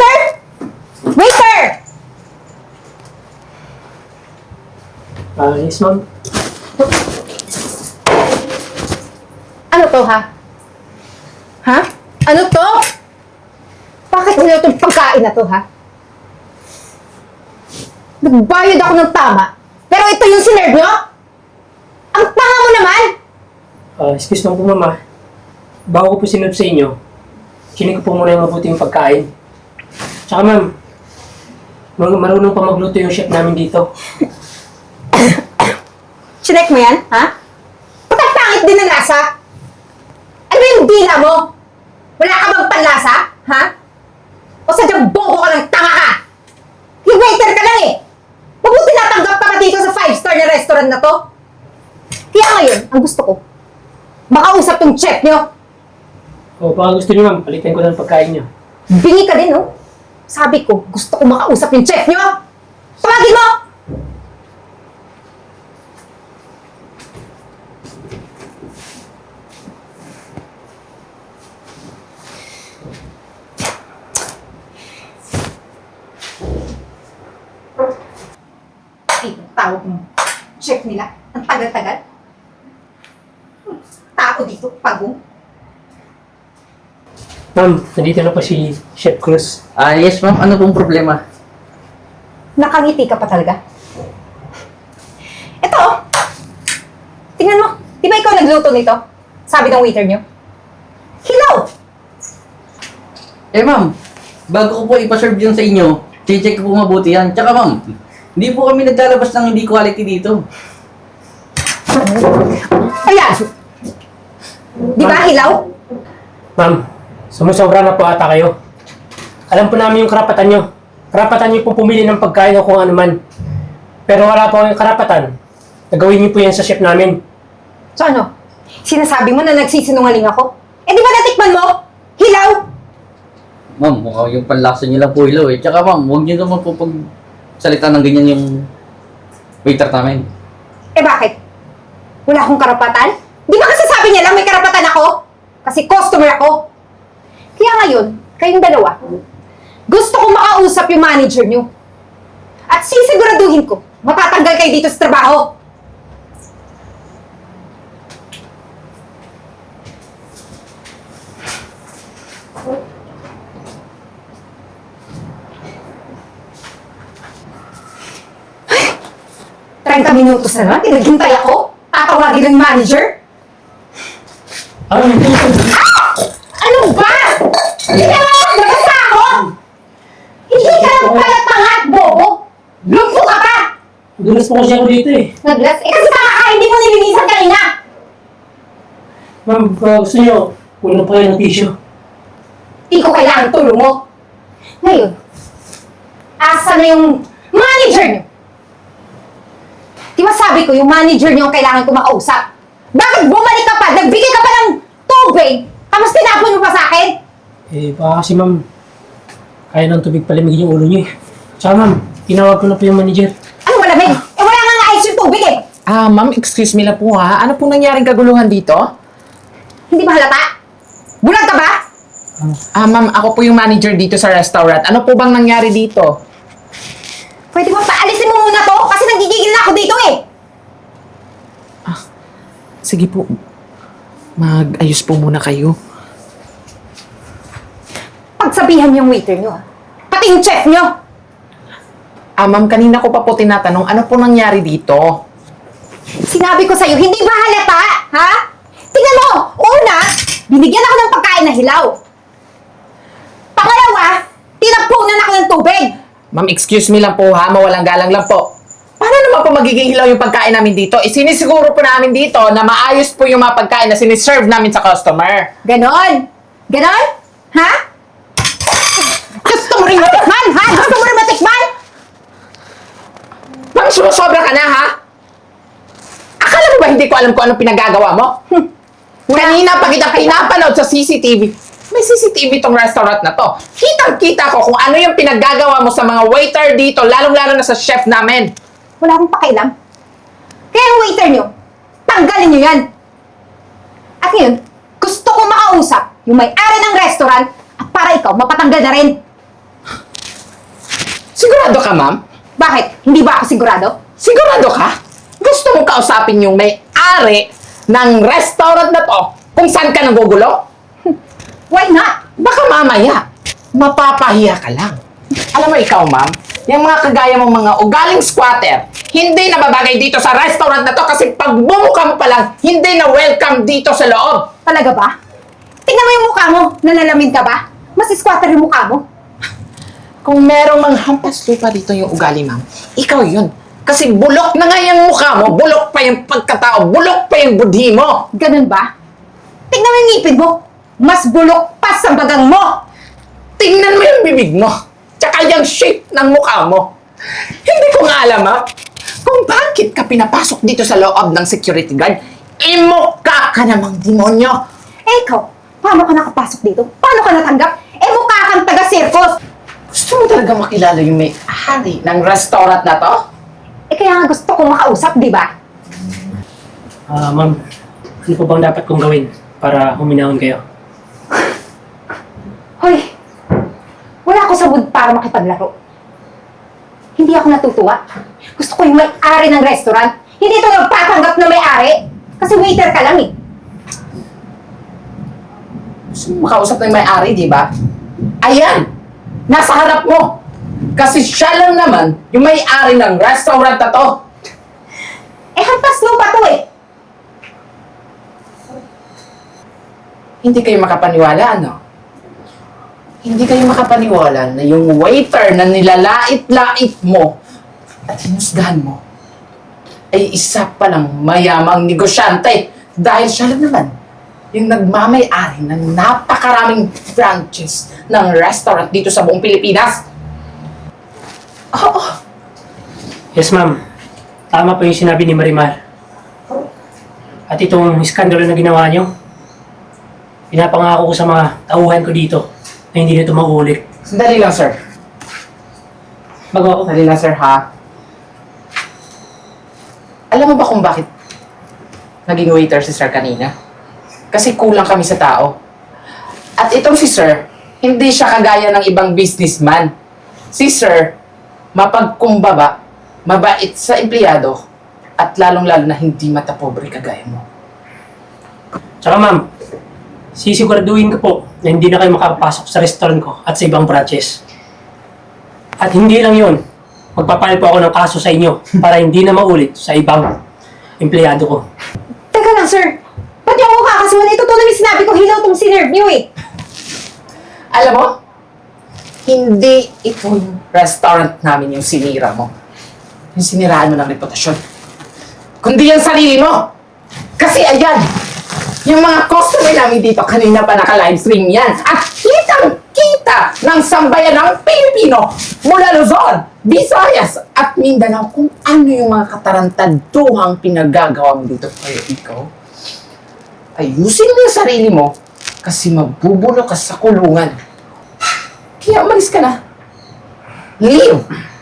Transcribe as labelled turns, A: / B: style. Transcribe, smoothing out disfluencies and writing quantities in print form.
A: Waiter! Waiter!
B: Yes, ma'am.
A: Ano to, ha? Ha? Ano to? Bakit nila itong pagkain na to, ha? Nagbayad ako ng tama, pero ito yung sinerve nyo? Ang tanga mo naman!
B: Excuse me po, mama. Bago ko po sinunod sa inyo, chinig ko po muna yung mabuting pagkain. Tsaka, ma'am, marunong pa magluto yung chef namin dito.
A: Chinek mo yan, ha? Ba't ang pangit din ng lasa? Ano yung dila mo? Wala ka bang panlasa, ha? O sadyang bobo ka ng tanga ka? Yung waiter ka lang eh! Huwag mo tinatanggap ka pa dito sa 5-star na restaurant na to? Kaya ngayon, ang gusto ko, makausap tong chef nyo.
B: O, baka gusto niyo, ma'am, palitan ko ng pagkain niyo.
A: Bingi ka din, no? Sabi ko, gusto ko makausap yung chef nyo. Tawagin mo! Ay, tawag mo. Chef nila. Ang tagal-tagal. Tao dito, pagong.
B: Ma'am, nandito na po si Chef Cruz.
C: Yes ma'am, ano pong problema?
A: Nakangiti ka pa talaga. Ito, oh. Tingnan mo. Di ba ikaw nagluto nito? Sabi ng waiter nyo. Hilaw!
C: Ma'am, bago ko po ipaserve yun sa inyo, check ko po mabuti yan. Tsaka ma'am, hindi po kami naglalabas ng hindi quality dito.
A: Ayan! Di ba hilaw?
B: Ma'am, sumusobra na po ata kayo. Alam po namin yung karapatan nyo. Karapatan nyo po pumili ng pagkain o kung ano man. Pero wala po yung karapatan. Nagawin niyo po yan sa chef namin.
A: So ano? Sinasabi mo na nagsisinungaling ako? Eh di ba natikman mo? Hilaw!
C: Ma'am, mukhang yung panlasa niyo lang po ilaw eh. Tsaka ma'am, huwag niyo naman po salita ng ganyan yung waiter namin.
A: Eh bakit? Wala akong karapatan? Di ba kasi sabi niya lang may karapatan ako? Kasi customer ako. Kaya ngayon, kayong dalawa, gusto kong makausap yung manager niyo. At sisiguraduhin ko, matatanggal kayo dito sa trabaho. Ay! 30 minutos na naman, tinaghintay ako. Tatawagin ng manager. Ano ba? Hindi ka nga nabasa ako! Hindi ka lang pala tangat, bobo! Lumpo ka pa!
B: Dulas po kasi ako dito eh.
A: Naglas? Eh kasi baka hindi mo nilinisan kanina!
B: Ma'am, kung gusto niyo, kulang pa kayo ng tissue.
A: Hindi ko kailangan tulong mo. Ngayon, asa na yung manager niyo? Di ba sabi ko, yung manager niyo ang kailangan ko makausap? Bakit bumalik ka pa? Nagbigay ka pa ng tubig? Tapos tinapon mo pa sa akin?
B: Baka kasi ma'am, kaya ng tubig palamigin yung ulo niyo eh. Tsaka ma'am, tinawag ko na po yung manager.
A: Ano malamig? Wala nga ayos yung tubig eh!
D: Ma'am, excuse me lang po ha. Ano pong nangyaring kaguluhan dito?
A: Hindi ba halata? Bulag ka ba?
D: Ma'am, ako po yung manager dito sa restaurant. Ano po bang nangyari dito?
A: Pwede mo paalisin mo muna to? Kasi nagigigil na ako dito eh!
D: Sige po. Mag-ayos po muna kayo.
A: Pagsabihan niyo yung waiter niyo pati yung chef niyo!
D: Ma'am, kanina ko pa po tinatanong, ano po nangyari dito?
A: Sinabi ko sa'yo, hindi ba halata? Ha? Tingnan mo! Una, binigyan ako ng pagkain na hilaw. Pangalawa, tinapunan ako ng tubig.
D: Ma'am, excuse me lang po ha. Mawalang galang lang po. Paano naman po magiging hilaw yung pagkain namin dito? Sinisiguro po namin dito na maayos po yung mga pagkain na siniserve namin sa customer.
A: Ganon? Ganon? Ha? Gusto mo rin matikman? Ha? Gusto mo rin matikman?
D: Ma'am, sumusobra ka na ha? Akala mo ba hindi ko alam kung anong pinagagawa mo? Kanina pa kita pinapanood sa CCTV. May CCTV tong restaurant na to. Kitang-kita ko kung ano yung pinaggagawa mo sa mga waiter dito, lalong-lalo na sa chef namin.
A: Wala akong pakialam. Kaya yung waiter niyo, tanggalin niyo yan. At ngayon, gusto ko makausap yung may-ari ng restaurant at para ikaw mapatanggal na rin.
D: Sigurado ka, ma'am?
A: Bakit? Hindi ba ako sigurado?
D: Sigurado ka? Gusto mo kausapin yung may-ari ng restaurant na to kung saan ka nagugulo?
A: Why not?
D: Baka mamaya, mapapahiya ka lang. Alam mo ikaw, ma'am, yung mga kagaya mong mga ugaling squatter, hindi na babagay dito sa restaurant na to kasi pag bumuka mo pa lang, hindi na welcome dito sa loob.
A: Talaga ba? Tingnan mo yung mukha mo. Nanalamin ka ba? Mas squatter yung mukha mo.
D: Kung merong manghampas lupa dito yung ugali, ma'am, ikaw yun. Kasi bulok na nga yung mukha mo, bulok pa yung pagkatao, bulok pa yung budhi mo.
A: Ganun ba? Tingnan mo yung ngipin mo. Mas bulok pa sa bagang mo.
D: Tingnan mo yung bibig mo, tsaka yung shape ng mukha mo. Hindi ko nga alam, ha, kung bakit ka pinapasok dito sa loob ng security guard. Imukha ka namang demonyo.
A: Eh ikaw, paano ka nakapasok dito? Paano ka natanggap? Eh mukha kang taga-circus.
D: Gusto mo talaga makilala yung may-ari ng restaurant na to?
A: Eh kaya nga gusto kong makausap, di ba?
B: Ma'am, ano po bang dapat kong gawin para huminahon kayo?
A: Hoy, wala ako sa mood para makipaglaro. Hindi ako natutuwa. Gusto ko yung may-ari ng restaurant. Hindi ito nagpapanggap na may-ari. Kasi waiter ka lang eh.
D: Gusto mo makausap ng may-ari, di ba? Ayan! Nasa harap mo! Kasi siya lang naman yung may-ari ng restaurant na to.
A: Eh hampas lupa to eh.
D: Hindi kayo makapaniwala, ano? Hindi kayo makapaniwala na yung waiter na nilalait-lait mo at hinusgahan mo ay isa palang mayamang negosyante dahil siya lang naman yung nagmamay-ari ng napakaraming branches ng restaurant dito sa buong Pilipinas. Oo.
B: Yes, ma'am. Tama po yung sinabi ni Marimar. At itong iskandalo na ginawa niyo, pinapangako ko sa mga tauhan ko dito na hindi na ito mauulit.
D: Sandali lang, sir.
B: Bago ako.
D: Sandali lang, sir, ha? Alam mo ba kung bakit naging waiter si sir kanina? Kasi kulang kami sa tao. At itong si sir, hindi siya kagaya ng ibang businessman. Si sir, mapagkumbaba, mabait sa empleyado, at lalong-lalo na hindi matapobre kagaya mo.
B: Tsaka ma'am, sisiguraduhin ko po na hindi na kayo makapasok sa restaurant ko at sa ibang branches. At hindi lang yun, magpapile po ako ng kaso sa inyo para hindi na maulit sa ibang empleyado ko.
A: Teka lang sir. Ba't yung ako kakasuhan? Ito to na yung sinabi ko, hilaw tong sinerve niyo eh.
D: Alam mo, hindi ito yung restaurant namin yung sinira mo. Yung siniraan mo ng reputasyon. Kundi yung sarili mo. Kasi ayan, yung mga customer namin dito, kanina pa naka-livestream yan. At kitang-kita ng sambayan ng Pilipino mula Luzon, Visayas, at Mindanao kung ano yung mga katarantaduhang pinagagawa mo dito. Kaya ikaw, ayusin mo yung sarili mo kasi mabubulo ka sa kulungan. Kaya umalis ka na. Leave!